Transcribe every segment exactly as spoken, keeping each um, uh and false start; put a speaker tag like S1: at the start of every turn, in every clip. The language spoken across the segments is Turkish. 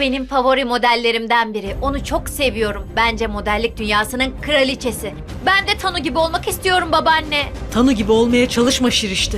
S1: Benim favori modellerimden biri. Onu çok seviyorum. Bence modellik dünyasının kraliçesi. Ben de Tanu gibi olmak istiyorum babaanne.
S2: Tanı gibi olmaya çalışma Şirişti.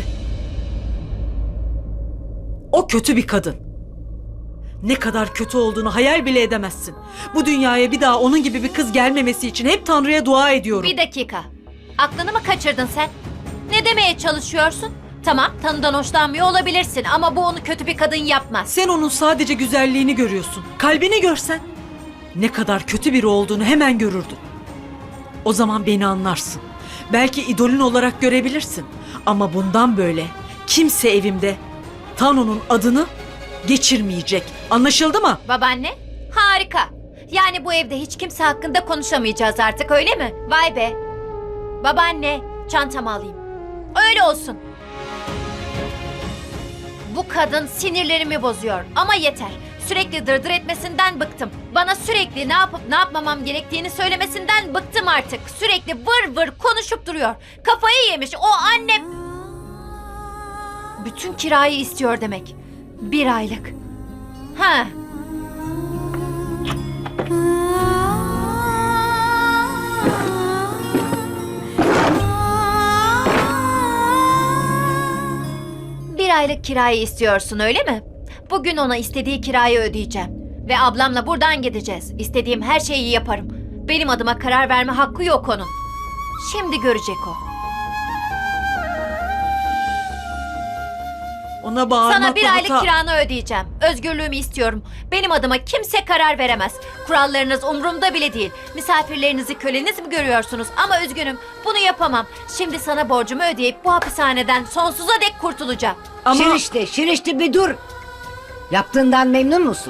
S2: O kötü bir kadın. Ne kadar kötü olduğunu hayal bile edemezsin. Bu dünyaya bir daha onun gibi bir kız gelmemesi için hep Tanrı'ya dua ediyorum.
S1: Bir dakika. Aklını mı kaçırdın sen? Ne demeye çalışıyorsun? Tamam, Tanu'dan hoşlanmıyor olabilirsin ama bu onu kötü bir kadın yapmaz.
S2: Sen onun sadece güzelliğini görüyorsun. Kalbini görsen ne kadar kötü biri olduğunu hemen görürdün. O zaman beni anlarsın. Belki idolün olarak görebilirsin. Ama bundan böyle kimse evimde Tanu'nun adını geçirmeyecek. Anlaşıldı mı?
S1: Babaanne, harika. Yani bu evde hiç kimse hakkında konuşamayacağız artık, öyle mi? Vay be. Babaanne, çantamı alayım. Öyle olsun. Bu kadın sinirlerimi bozuyor ama yeter. Sürekli dırdır etmesinden bıktım. Bana sürekli ne yapıp ne yapmamam gerektiğini söylemesinden bıktım artık. Sürekli vır vır konuşup duruyor. Kafayı yemiş o annem. Bütün kirayı istiyor demek. Bir aylık. Ha. Bir aylık kirayı istiyorsun, öyle mi? Bugün ona istediği kirayı ödeyeceğim. Ve ablamla buradan gideceğiz. İstediğim her şeyi yaparım. Benim adıma karar verme hakkı yok onun. Şimdi görecek o.
S2: Ona bağırmakla
S1: Sana bir aylık
S2: hata-
S1: kiranı ödeyeceğim. Özgürlüğümü istiyorum. Benim adıma kimse karar veremez. Kurallarınız umurumda bile değil. Misafirlerinizi köleniz mi görüyorsunuz? Ama üzgünüm, bunu yapamam. Şimdi sana borcumu ödeyip bu hapishaneden sonsuza dek kurtulacağım.
S2: Ama
S3: Şirişte, Şirişte bir dur. Yaptığından memnun musun?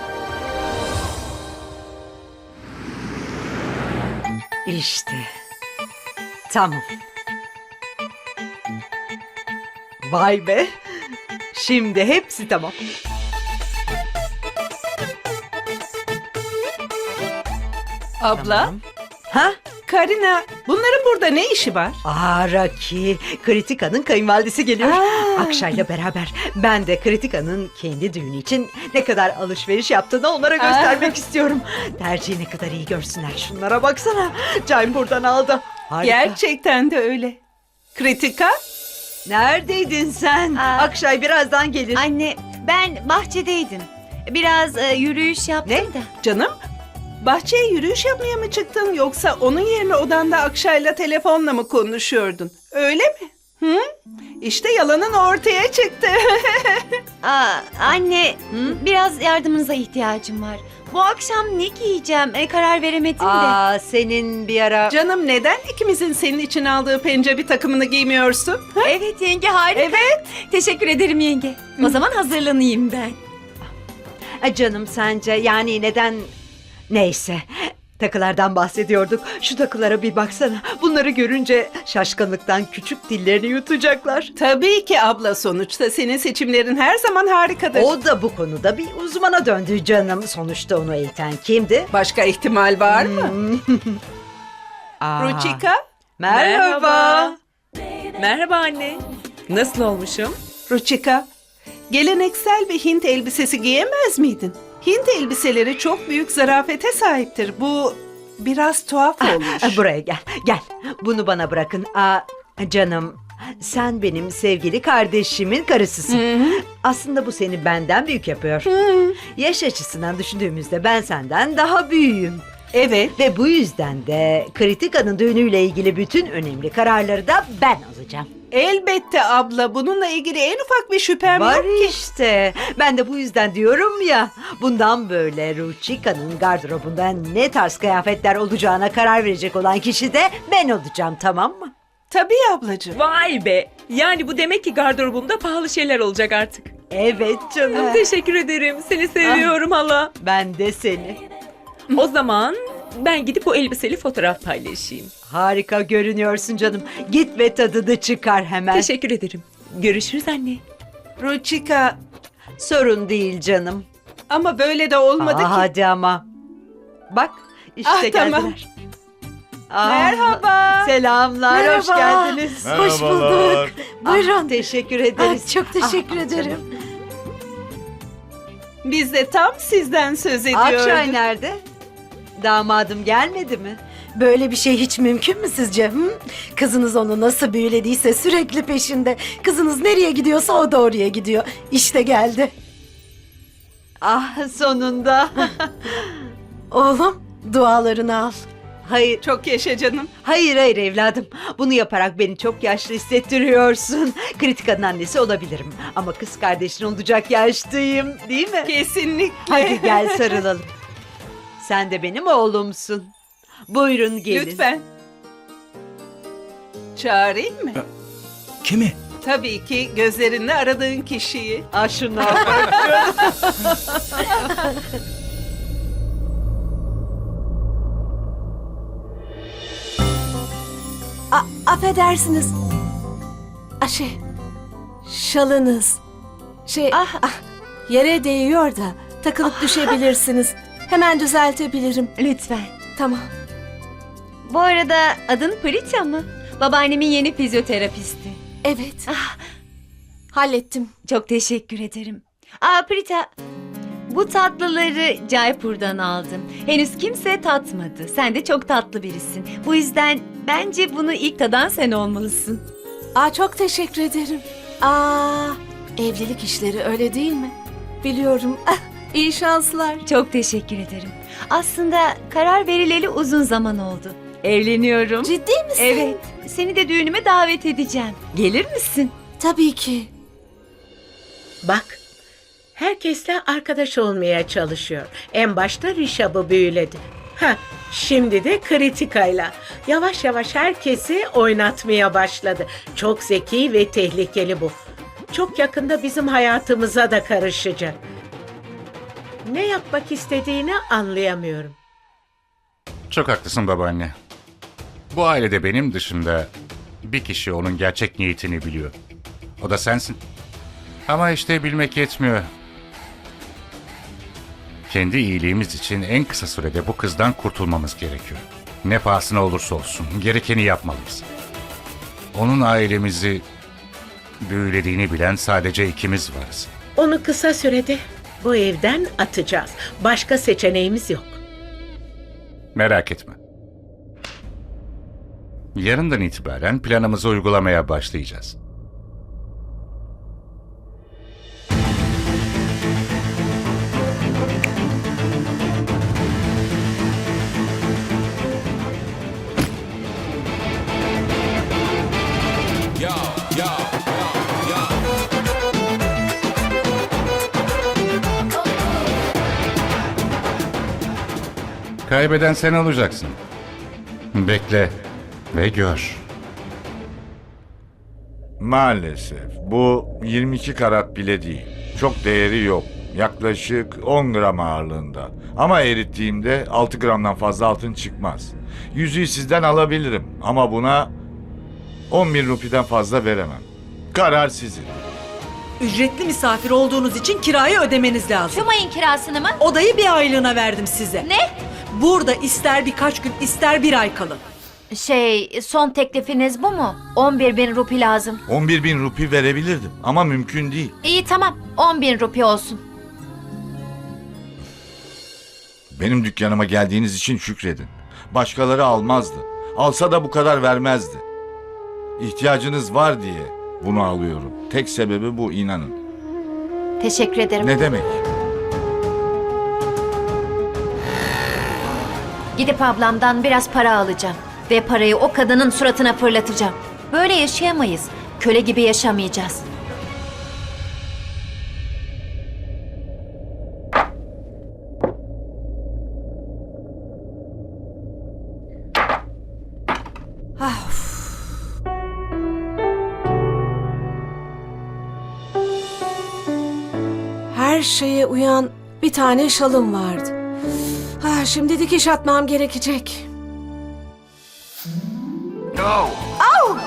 S3: İşte. Tamam.
S4: Vay be. Şimdi hepsi tamam.
S5: Abla,
S4: Tamam. Ha?
S5: Karina, bunların burada ne işi var?
S4: Aa Raki, Kritika'nın kayınvalidesi geliyor.
S5: Aa.
S4: Akşay'la beraber ben de Kritika'nın kendi düğünü için ne kadar alışveriş yaptığını onlara göstermek istiyorum. Tercihi ne kadar iyi görsünler. Şunlara baksana. Caim buradan aldı. Harika.
S5: Gerçekten de öyle. Kritika?
S4: Neredeydin sen?
S6: Aa.
S4: Akşay birazdan gelir.
S6: Anne, ben bahçedeydim. Biraz e, yürüyüş yaptım
S4: Ne?
S6: da.
S5: Canım, bahçeye yürüyüş yapmaya mı çıktın yoksa onun yerine odanda Akşay'la telefonla mı konuşuyordun? Öyle mi? Hı? İşte yalanın ortaya çıktı.
S6: Aa, anne, biraz yardımınıza ihtiyacım var. Bu akşam ne giyeceğim e, karar veremedim de.
S4: Aa senin bir ara...
S5: Canım neden ikimizin senin için aldığı pencebi takımını giymiyorsun? Ha?
S6: Evet yenge, harika.
S5: Evet.
S6: Teşekkür ederim yenge. O zaman hazırlanayım ben.
S4: Ay canım sence yani neden... Neyse takılardan bahsediyorduk. Şu takılara bir baksana. Bunları görünce şaşkınlıktan küçük dillerini yutacaklar.
S5: Tabii ki abla, sonuçta senin seçimlerin her zaman harikadır.
S4: O da bu konuda bir uzmana döndü canım. Sonuçta onu eğiten kimdi?
S5: Başka ihtimal var mı?
S4: Aa,
S5: Ruchika?
S4: Merhaba.
S7: Merhaba anne. Nasıl olmuşum?
S5: Ruchika, geleneksel bir Hint elbisesi giyemez miydin? Hint elbiseleri çok büyük zarafete sahiptir. Bu biraz tuhaf olmuş.
S4: Aa, Buraya gel. Gel. Bunu bana bırakın. Aa, canım sen benim sevgili kardeşimin karısısın. Aslında bu seni benden büyük yapıyor. Yaş açısından düşündüğümüzde ben senden daha büyüğüm.
S5: Evet.
S4: Ve bu yüzden de Kritika'nın düğünüyle ilgili bütün önemli kararları da ben alacağım.
S5: Elbette abla, bununla ilgili en ufak bir şüphem
S4: Var
S5: yok ki.
S4: işte. Ben de bu yüzden diyorum ya. Bundan böyle Ruchika'nın gardırobunda ne tarz kıyafetler olacağına karar verecek olan kişi de ben olacağım, tamam mı?
S5: Tabii ablacığım.
S7: Vay be. Yani bu demek ki gardırobumda pahalı şeyler olacak artık.
S4: Evet canım.
S7: Teşekkür ederim. Seni seviyorum hala.
S4: Ben de seni.
S7: O zaman ben gidip o elbiseli fotoğraf paylaşayım.
S4: Harika görünüyorsun canım. Git ve tadını çıkar hemen.
S7: Teşekkür ederim. Görüşürüz anne.
S5: Ruchika,
S4: Sorun değil canım.
S5: ama böyle de olmadı
S4: Aa,
S5: ki.
S4: hadi ama. Bak işte
S5: Ah,
S4: geldiler.
S5: tamam.
S4: Aa,
S5: Merhaba.
S4: Selamlar, hoş
S6: Merhaba.
S4: geldiniz.
S6: Hoş bulduk.
S4: Ah,
S6: Buyurun.
S4: teşekkür ederiz.
S6: Ah, çok teşekkür
S4: Ah,
S6: ederim.
S4: canım.
S5: Biz de tam sizden söz ediyorduk.
S4: Akşay nerede? Damadım gelmedi mi?
S8: Böyle bir şey hiç mümkün mü sizce? Hı? Kızınız onu nasıl büyülediyse sürekli peşinde. Kızınız nereye gidiyorsa o da oraya gidiyor. İşte geldi.
S4: Ah sonunda.
S8: Oğlum dualarını al.
S4: Hayır,
S5: Çok yaşa canım.
S4: hayır hayır evladım. Bunu yaparak beni çok yaşlı hissettiriyorsun. Kritika'nın annesi olabilirim. Ama kız kardeşin olacak yaştayım değil mi?
S5: Kesinlikle.
S4: Hadi gel sarılalım. Sen de benim oğlumsun. Buyurun gelin.
S5: Lütfen. Çağırayım mı?
S9: Kimi?
S5: Tabii ki gözlerinle aradığın kişiyi.
S4: Ah şuna bak.
S8: A affedersiniz. A şey, şalınız. Şey,
S6: Ah.
S8: ah, yere değiyor da takılıp düşebilirsiniz. Hemen düzeltebilirim.
S6: Lütfen.
S8: Tamam.
S6: Bu arada adın Prita mı? Babaannemin yeni fizyoterapisti.
S8: Evet,
S6: Ah,
S8: hallettim.
S6: çok teşekkür ederim. Aa Prita, bu tatlıları Jaipur'dan aldım. Henüz kimse tatmadı. Sen de çok tatlı birisin. Bu yüzden bence bunu ilk tadan sen olmalısın.
S8: Aa, çok teşekkür ederim. Aa, evlilik işleri öyle değil mi? Biliyorum. Ah, iyi şanslar.
S6: Çok teşekkür ederim. Aslında karar verileli uzun zaman oldu. Evleniyorum.
S8: Ciddi misin?
S6: Evet. Seni de düğünüme davet edeceğim. Gelir misin?
S8: Tabii ki.
S10: Bak, herkesle arkadaş olmaya çalışıyor. En başta Rişab'ı büyüledi. Ha, şimdi de Kritika'yla. Yavaş yavaş herkesi oynatmaya başladı. Çok zeki ve tehlikeli bu. Çok yakında bizim hayatımıza da karışacak. Ne yapmak istediğini anlayamıyorum.
S11: Çok haklısın babaanne. Bu ailede benim dışında bir kişi onun gerçek niyetini biliyor. O da sensin. Ama işte bilmek yetmiyor. Kendi iyiliğimiz için en kısa sürede bu kızdan kurtulmamız gerekiyor. Ne pahasına olursa olsun gerekeni yapmalıyız. Onun ailemizi büyülediğini bilen sadece ikimiz varız.
S10: Onu kısa sürede bu evden atacağız. Başka seçeneğimiz yok.
S11: Merak etme. Yarından itibaren planımızı uygulamaya başlayacağız. Kaybeden sen olacaksın. Bekle ve gör.
S12: Maalesef bu yirmi iki karat bile değil. Çok değeri yok. Yaklaşık on gram ağırlığında. Ama erittiğimde altı gramdan fazla altın çıkmaz. Yüzüğü sizden alabilirim ama buna on bin rupiden fazla veremem. Karar sizin.
S2: Ücretli misafir olduğunuz için kirayı ödemeniz lazım.
S1: Tüm ayın kirasını mı?
S2: Odayı bir aylığına verdim size.
S1: Ne?
S2: Burada ister birkaç gün ister bir ay kalın.
S1: Şey, son teklifiniz bu mu? on bir bin rupi lazım.
S12: on bir bin rupi verebilirdim ama mümkün değil.
S1: İyi tamam, on bin rupi olsun.
S12: Benim dükkanıma geldiğiniz için şükredin. Başkaları almazdı. Alsa da bu kadar vermezdi. İhtiyacınız var diye bunu alıyorum. Tek sebebi bu, inanın.
S1: Teşekkür ederim.
S12: Ne demek?
S1: Gidip ablamdan biraz para alacağım. Ve parayı o kadının suratına fırlatacağım. Böyle yaşayamayız. Köle gibi yaşamayacağız.
S8: Her şeye uyan bir tane şalım vardı. Ah, şimdi dikiş atmam gerekecek. Au!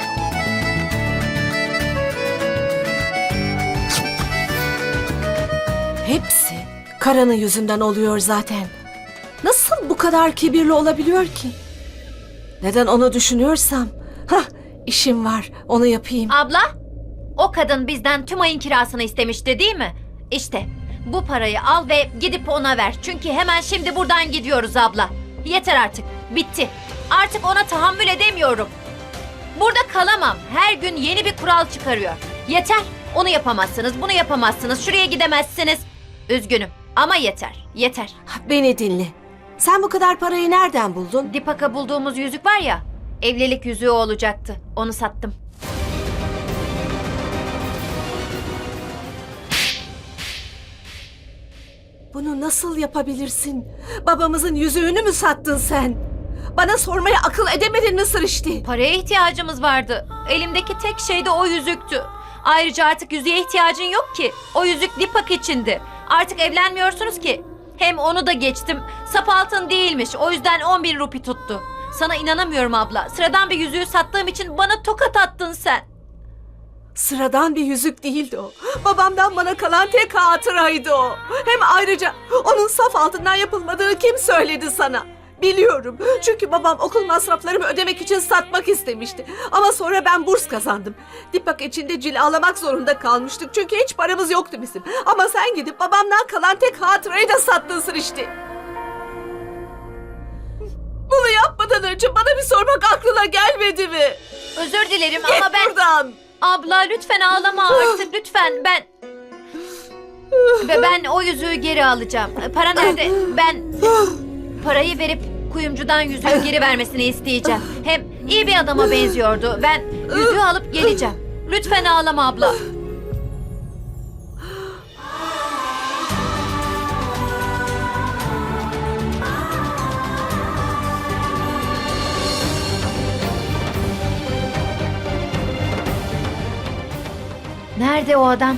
S8: Hepsi Karan'ın yüzünden oluyor zaten. Nasıl bu kadar kibirli olabiliyor ki? Neden onu düşünüyorsam? Hah, işim var, onu yapayım.
S1: Abla, o kadın bizden tüm ayın kirasını istemişti değil mi? İşte Bu parayı al ve gidip ona ver. Çünkü hemen şimdi buradan gidiyoruz abla. Yeter artık. Bitti. Artık ona tahammül edemiyorum. Burada kalamam. Her gün yeni bir kural çıkarıyor. Yeter. Onu yapamazsınız, bunu yapamazsınız, şuraya gidemezsiniz. Üzgünüm ama yeter, yeter.
S8: Beni dinle. Sen bu kadar parayı nereden buldun?
S1: Dipak'a bulduğumuz yüzük var ya, evlilik yüzüğü olacaktı. Onu sattım.
S8: Bunu nasıl yapabilirsin? Babamızın yüzüğünü mü sattın sen? Bana sormaya akıl edemedin mi Sırıştı?
S1: Paraya ihtiyacımız vardı. Elimdeki tek şey de o yüzüktü. Ayrıca artık yüzüğe ihtiyacın yok ki. O yüzük Dipak içindi. Artık evlenmiyorsunuz ki. Hem onu da geçtim. Sap altın değilmiş. O yüzden on bin rupi tuttu. Sana inanamıyorum abla. Sıradan bir yüzüğü sattığım için bana tokat attın sen.
S8: Sıradan bir yüzük değildi o. Babamdan bana kalan tek hatıraydı o. Hem ayrıca onun saf altından yapılmadığını kim söyledi sana? Biliyorum. Çünkü babam okul masraflarımı ödemek için satmak istemişti. Ama sonra ben burs kazandım. Dipak içinde cilalamak zorunda kalmıştık. Çünkü hiç paramız yoktu bizim. Ama sen gidip babamdan kalan tek hatırayı da sattın Sırıştı. Bunu yapmadan önce bana bir sormak aklına gelmedi mi?
S1: Özür dilerim
S8: Git
S1: ama ben...
S8: buradan.
S1: Abla lütfen ağlama artık lütfen. Ben... Ve ben o yüzüğü geri alacağım. Para nerede? Ben... Parayı verip kuyumcudan yüzüğü geri vermesini isteyeceğim. Hem iyi bir adama benziyordu. Ben yüzüğü alıp geleceğim. Lütfen ağlama abla. Nerede o adam?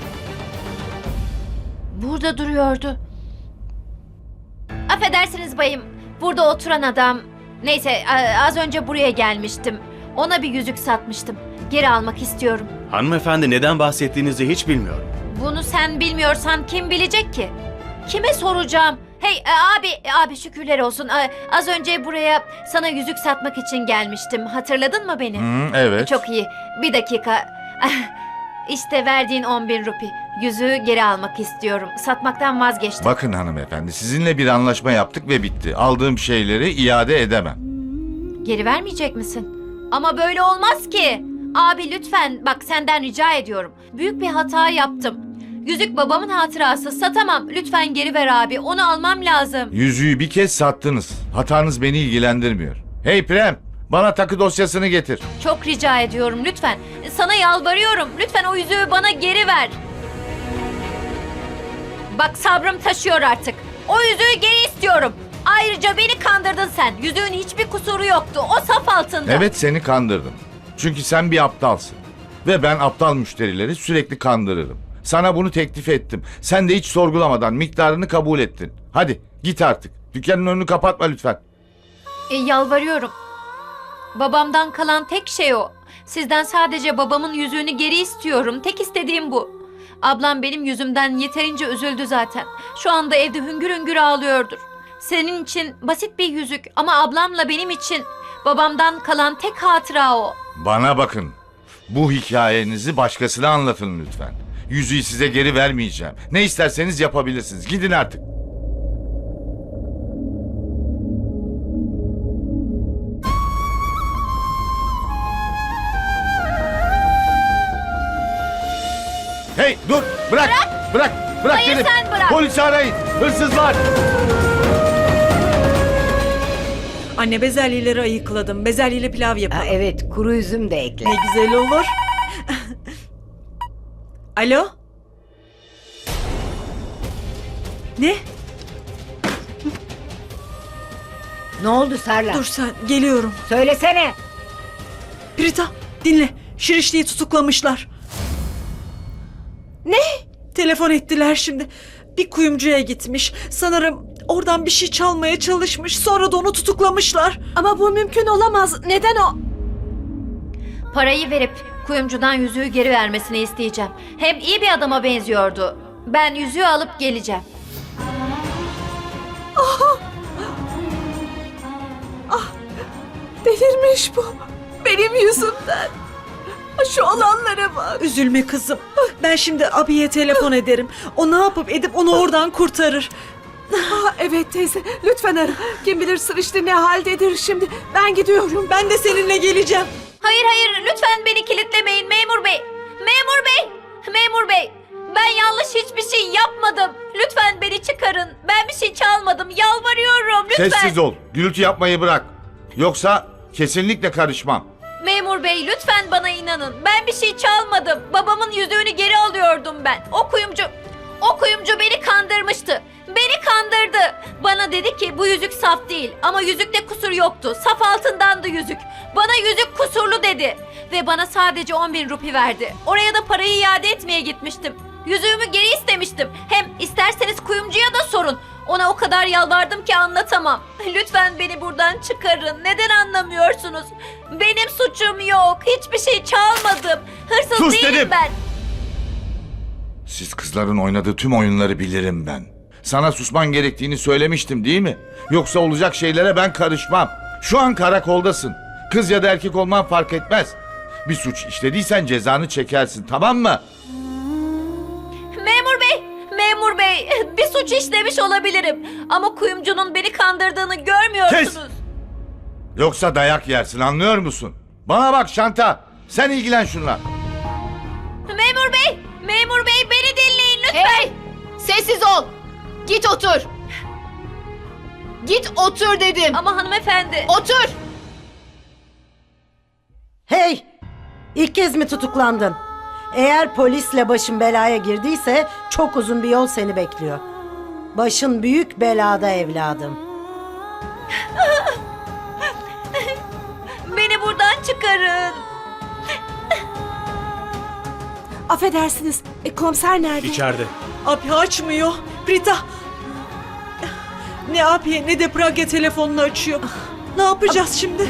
S1: Burada duruyordu. Affedersiniz bayım. Burada oturan adam. Neyse a- az önce buraya gelmiştim. Ona bir yüzük satmıştım. Geri almak istiyorum.
S9: Hanımefendi neden bahsettiğinizi hiç bilmiyorum.
S1: Bunu sen bilmiyorsan kim bilecek ki? Kime soracağım? Hey e, abi, e, abi şükürler olsun. E, az önce buraya sana yüzük satmak için gelmiştim. Hatırladın mı beni?
S12: Hı, evet.
S1: Çok iyi. Bir dakika. İşte verdiğin on bin rupi. Yüzüğü geri almak istiyorum. Satmaktan vazgeçtim.
S12: Bakın hanımefendi, sizinle bir anlaşma yaptık ve bitti. Aldığım şeyleri iade edemem.
S1: Geri vermeyecek misin? Ama böyle olmaz ki. Abi lütfen bak senden rica ediyorum. Büyük bir hata yaptım. Yüzük babamın hatırası. Satamam. Lütfen geri ver abi. Onu almam lazım.
S12: Yüzüğü bir kez sattınız. Hatanız beni ilgilendirmiyor. Hey Prem, bana takı dosyasını getir.
S1: Çok rica ediyorum lütfen. Sana yalvarıyorum. Lütfen o yüzüğü bana geri ver. Bak sabrım taşıyor artık. O yüzüğü geri istiyorum. Ayrıca beni kandırdın sen. Yüzüğün hiçbir kusuru yoktu. O saf altında.
S12: Evet, seni kandırdım. Çünkü sen bir aptalsın. Ve ben aptal müşterileri sürekli kandırırım. Sana bunu teklif ettim. Sen de hiç sorgulamadan miktarını kabul ettin. Hadi git artık. Dükkanın önünü kapatma lütfen.
S1: E, yalvarıyorum. Babamdan kalan tek şey o. Sizden sadece babamın yüzüğünü geri istiyorum. Tek istediğim bu. Ablam benim yüzümden yeterince üzüldü zaten. Şu anda evde hüngür hüngür ağlıyordur. Senin için basit bir yüzük ama ablamla benim için babamdan kalan tek hatıra o.
S12: Bana bakın. Bu hikayenizi başkasına anlatın lütfen. Yüzüğü size geri vermeyeceğim. Ne isterseniz yapabilirsiniz. Gidin artık. Hey dur! Bırak! Bırak! Bırak! Bırak
S1: Hayır,
S12: dedim.
S1: sen bırak.
S12: Polisi arayın! Hırsız var!
S2: Anne bezelyeleri ayıkladım. Bezelyeli pilav
S3: Ha,
S2: yapalım.
S3: evet, kuru üzüm de ekle.
S2: Ne güzel olur. Alo? Ne?
S3: Ne oldu Sarla?
S2: Dur sen, geliyorum.
S3: Söylesene.
S2: Prita, dinle. Şirişli'yi tutuklamışlar.
S8: Ne?
S2: Telefon ettiler şimdi. Bir kuyumcuya gitmiş. Sanırım oradan bir şey çalmaya çalışmış. Sonra da onu tutuklamışlar.
S8: Ama bu mümkün olamaz. Neden o?
S1: Parayı verip kuyumcudan yüzüğü geri vermesini isteyeceğim. Hem iyi bir adama benziyordu. Ben yüzüğü alıp geleceğim.
S8: Delirmiş bu. Benim yüzümden. Şu olanlara bak.
S2: Üzülme kızım. Ben şimdi abiye telefon ederim. O ne yapıp edip onu oradan kurtarır.
S8: Ah, evet teyze, lütfen ara. Kim bilir Sırıştı ne haldedir şimdi. Ben gidiyorum.
S2: Ben de seninle geleceğim.
S1: Hayır hayır lütfen beni kilitlemeyin memur bey. Memur bey. Memur bey. Ben yanlış hiçbir şey yapmadım. Lütfen beni çıkarın. Ben bir şey çalmadım. Yalvarıyorum lütfen.
S12: Sessiz ol. Gürültü yapmayı bırak. Yoksa kesinlikle karışmam.
S1: Memur bey lütfen bana inanın. Ben bir şey çalmadım. Babamın yüzüğünü geri alıyordum ben. O kuyumcu, o kuyumcu beni kandırmıştı. Beni kandırdı. Bana dedi ki bu yüzük saf değil ama yüzükte kusur yoktu. Saf altındandı yüzük. Bana yüzük kusurlu dedi. Ve bana sadece on bin rupi verdi. Oraya da parayı iade etmeye gitmiştim. Yüzüğümü geri istemiştim. Hem isterseniz kuyumcuya da sorun. Ona o kadar yalvardım ki anlatamam. Lütfen beni buradan çıkarın. Neden anlamıyorsunuz? Benim suçum yok. Hiçbir şey çalmadım. Hırsız
S12: Sus
S1: değilim
S12: dedim.
S1: ben.
S12: Siz kızların oynadığı tüm oyunları bilirim ben. Sana susman gerektiğini söylemiştim değil mi? Yoksa olacak şeylere ben karışmam. Şu an karakoldasın. Kız ya da erkek olman fark etmez. Bir suç işlediysen cezanı çekersin, tamam mı?
S1: Memur bey, memur bey. Bir suç işlemiş olabilirim. Ama kuyumcunun beni kandırdığını görmüyorsunuz.
S12: Kes! Yoksa dayak yersin, anlıyor musun? Bana bak Şanta, sen ilgilen şunla.
S1: Memur bey, memur bey beni dinleyin lütfen.
S6: Hey! Sessiz ol! Git otur! Git otur dedim!
S1: Ama hanımefendi.
S6: Otur!
S3: Hey! İlk kez mi tutuklandın? Eğer polisle başın belaya girdiyse çok uzun bir yol seni bekliyor. Başın büyük belada evladım.
S1: Beni buradan çıkarın.
S8: Affedersiniz, e, komiser nerede?
S9: İçeride.
S2: Abi açmıyor. Rita. Ne abiye ne de Pragya telefonunu açıyor. Ne yapacağız şimdi?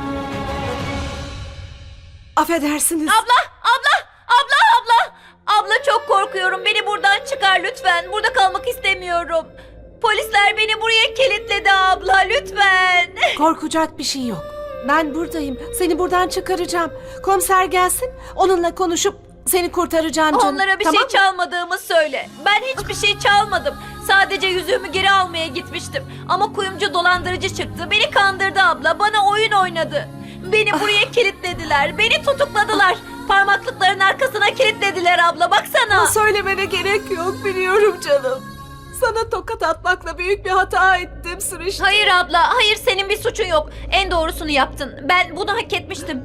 S8: Affedersiniz.
S1: Abla, abla, abla, abla. Abla çok korkuyorum. Beni buradan çıkar lütfen. Burada kalmak istemiyorum. Polisler beni buraya kilitledi abla lütfen.
S8: Korkacak bir şey yok. Ben buradayım. Seni buradan çıkaracağım. Komiser gelsin. Onunla konuşup seni kurtaracağım canım.
S1: Onlara bir
S8: tamam
S1: şey
S8: mı?
S1: çalmadığımı söyle. Ben hiçbir şey çalmadım. Sadece yüzüğümü geri almaya gitmiştim. Ama kuyumcu dolandırıcı çıktı. Beni kandırdı abla. Bana oyun oynadı. Beni buraya kilitlediler. Beni tutukladılar. Parmaklıkların arkasına kilitlediler abla. Baksana.
S8: Söylemene gerek yok, biliyorum canım. Sana tokat atmakla büyük bir hata ettim Sırıştı.
S1: Hayır abla. Hayır senin bir suçun yok. En doğrusunu yaptın. Ben bunu hak etmiştim.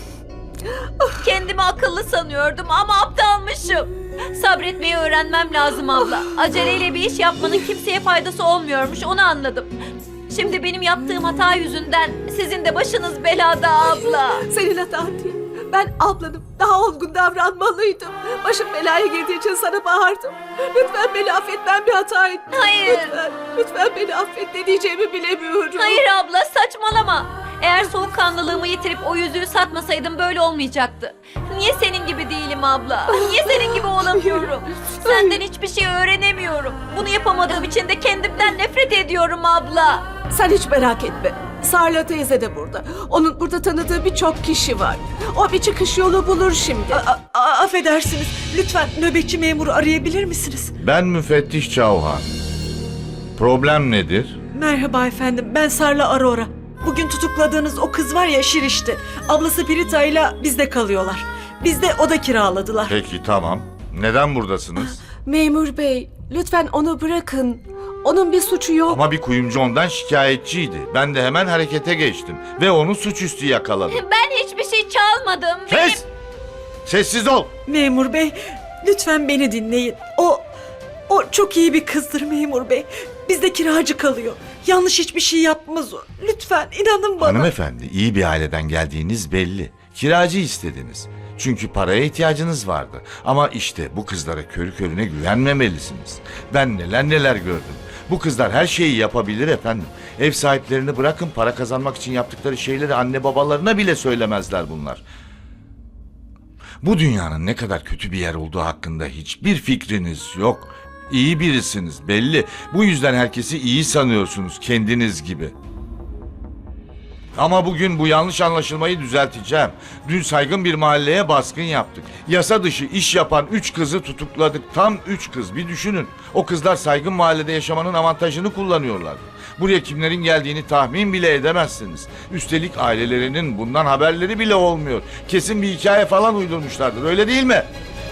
S1: Kendimi akıllı sanıyordum ama aptalmışım. Sabretmeyi öğrenmem lazım abla. Aceleyle bir iş yapmanın kimseye faydası olmuyormuş, onu anladım. Şimdi benim yaptığım hata yüzünden sizin de başınız belada abla.
S8: Senin hatan değil. Ben ablanım. Daha olgun davranmalıydım. Başım belaya girdiği için sana bağırdım. Lütfen beni affet, ben bir hata ettim.
S1: Hayır.
S8: Lütfen, lütfen beni affet, ne diyeceğimi bilemiyorum.
S1: Hayır abla saçmalama. Eğer soğukkanlılığımı yitirip o yüzüğü satmasaydım böyle olmayacaktı. Niye senin gibi değilim abla? Niye senin gibi olamıyorum? Senden hiçbir şey öğrenemiyorum. Bunu yapamadığım için de kendimden nefret ediyorum abla.
S8: Sen hiç merak etme. Sarla teyze de burada. Onun burada tanıdığı birçok kişi var. O bir çıkış yolu bulur şimdi.
S2: A- a- affedersiniz. Lütfen nöbetçi memuru arayabilir misiniz?
S12: Ben müfettiş Çavhan. Problem nedir?
S2: Merhaba efendim. Ben Sarla Arora. Bugün tutukladığınız o kız var ya Şirişti. Ablası Pirita ile bizde kalıyorlar. Bizde oda kiraladılar.
S12: Peki tamam. Neden buradasınız?
S8: Memur bey, lütfen onu bırakın. Onun bir suçu yok.
S12: Ama bir kuyumcu ondan şikayetçiydi. Ben de hemen harekete geçtim. Ve onu suçüstü yakaladım.
S1: Ben hiçbir şey çalmadım. Benim...
S12: Kes! Sessiz ol!
S2: Memur bey, lütfen beni dinleyin. O, o çok iyi bir kızdır memur bey. Bizde kiracı kalıyor. Yanlış hiçbir şey yapmaz o. Lütfen inanın bana.
S12: Hanımefendi, iyi bir aileden geldiğiniz belli. Kiracı istediniz. Çünkü paraya ihtiyacınız vardı. Ama işte bu kızlara körü körüne güvenmemelisiniz. Ben neler neler gördüm. Bu kızlar her şeyi yapabilir efendim. Ev sahiplerini bırakın, para kazanmak için yaptıkları şeyleri anne babalarına bile söylemezler bunlar. Bu dünyanın ne kadar kötü bir yer olduğu hakkında hiçbir fikriniz yok. İyi birisiniz belli. Bu yüzden herkesi iyi sanıyorsunuz kendiniz gibi. Ama bugün bu yanlış anlaşılmayı düzelteceğim. Dün saygın bir mahalleye baskın yaptık. Yasa dışı iş yapan üç kızı tutukladık. Tam üç kız, bir düşünün. O kızlar saygın mahallede yaşamanın avantajını kullanıyorlar. Buraya kimlerin geldiğini tahmin bile edemezsiniz. Üstelik ailelerinin bundan haberleri bile olmuyor. Kesin bir hikaye falan uydurmuşlardır, öyle değil mi?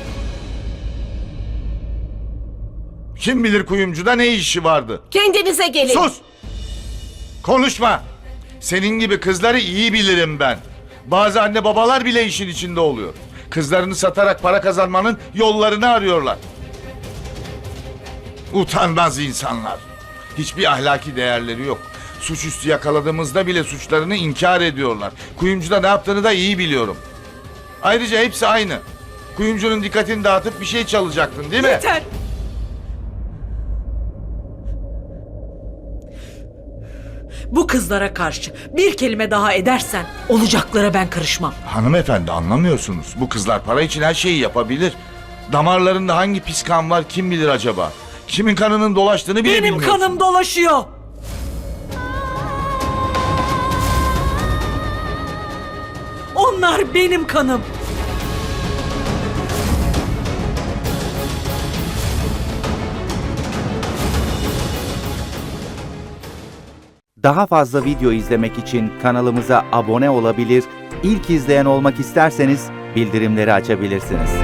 S12: Kim bilir kuyumcuda ne işi vardı?
S8: Kendinize gelin.
S12: Sus! Konuşma! Senin gibi kızları iyi bilirim ben. Bazı anne babalar bile işin içinde oluyor. Kızlarını satarak para kazanmanın yollarını arıyorlar. Utanmaz insanlar. Hiçbir ahlaki değerleri yok. Suçüstü yakaladığımızda bile suçlarını inkar ediyorlar. Kuyumcuda ne yaptığını da iyi biliyorum. Ayrıca hepsi aynı. Kuyumcunun dikkatini dağıtıp bir şey çalacaktın, değil mi?
S2: Yeter! Bu kızlara karşı bir kelime daha edersen olacaklara ben karışmam.
S12: Hanımefendi, anlamıyorsunuz. Bu kızlar para için her şeyi yapabilir. Damarlarında hangi pis kan var kim bilir acaba? Kimin kanının dolaştığını bile
S2: Benim
S12: bilmiyorsun.
S2: kanım dolaşıyor. Onlar benim kanım.
S13: Daha fazla video izlemek için kanalımıza abone olabilir, ilk izleyen olmak isterseniz bildirimleri açabilirsiniz.